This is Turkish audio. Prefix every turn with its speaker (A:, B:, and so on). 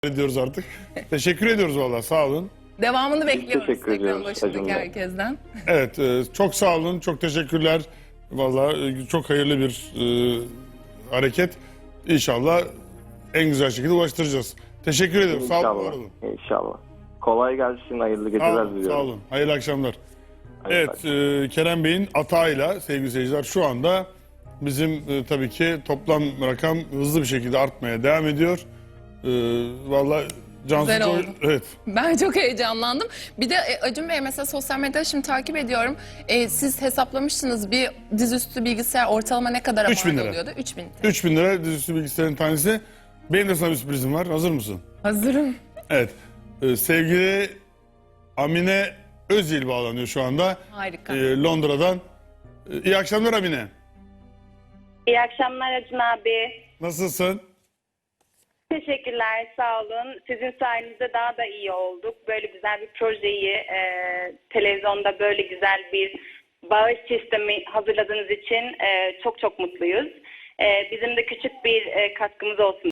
A: ediyoruz artık. Teşekkür ediyoruz valla, sağ olun.
B: Devamını bekliyoruz
C: teşekkür
B: ekran
C: ediyoruz
B: başındaki
C: Acun Bey.
B: herkesten.
A: Evet, çok sağ olun, çok teşekkürler. Valla çok hayırlı bir hareket. İnşallah en güzel şekilde ulaştıracağız. Teşekkür ediyorum, sağ olun, var
C: İnşallah.
A: olun.
C: İnşallah. Kolay gelsin, hayırlı
A: Sağ
C: geceler
A: olun,
C: diliyorum.
A: sağ olun. Hayırlı akşamlar.
C: Hayırlı
A: Evet, Kerem Bey'in atağıyla sevgili seyirciler şu anda bizim tabii ki toplam rakam hızlı bir şekilde artmaya devam ediyor. Valla Cansu
B: Güzel oldu.
A: evet.
B: Ben çok heyecanlandım. Bir de Acun Bey mesela sosyal medyada şimdi takip ediyorum. Siz hesaplamıştınız bir dizüstü bilgisayar ortalama ne kadar
A: 3.000
B: mal
A: lira.
B: oluyordu? 3.000 TL.
A: 3000 lira dizüstü bilgisayarın tanesi. Benim de sana bir sürprizim var. Hazır mısın?
B: Hazırım.
A: Evet. Sevgili Amine Özyıl bağlanıyor şu anda.
B: Harika.
A: Londra'dan. İyi akşamlar Amine.
D: İyi akşamlar Acun abi.
A: Nasılsın?
D: Teşekkürler, sağ olun. Sizin sayenizde daha da iyi olduk. Böyle güzel bir projeyi televizyonda böyle güzel bir bağış sistemi hazırladığınız için çok çok mutluyuz. Bizim de küçük bir katkımız olsun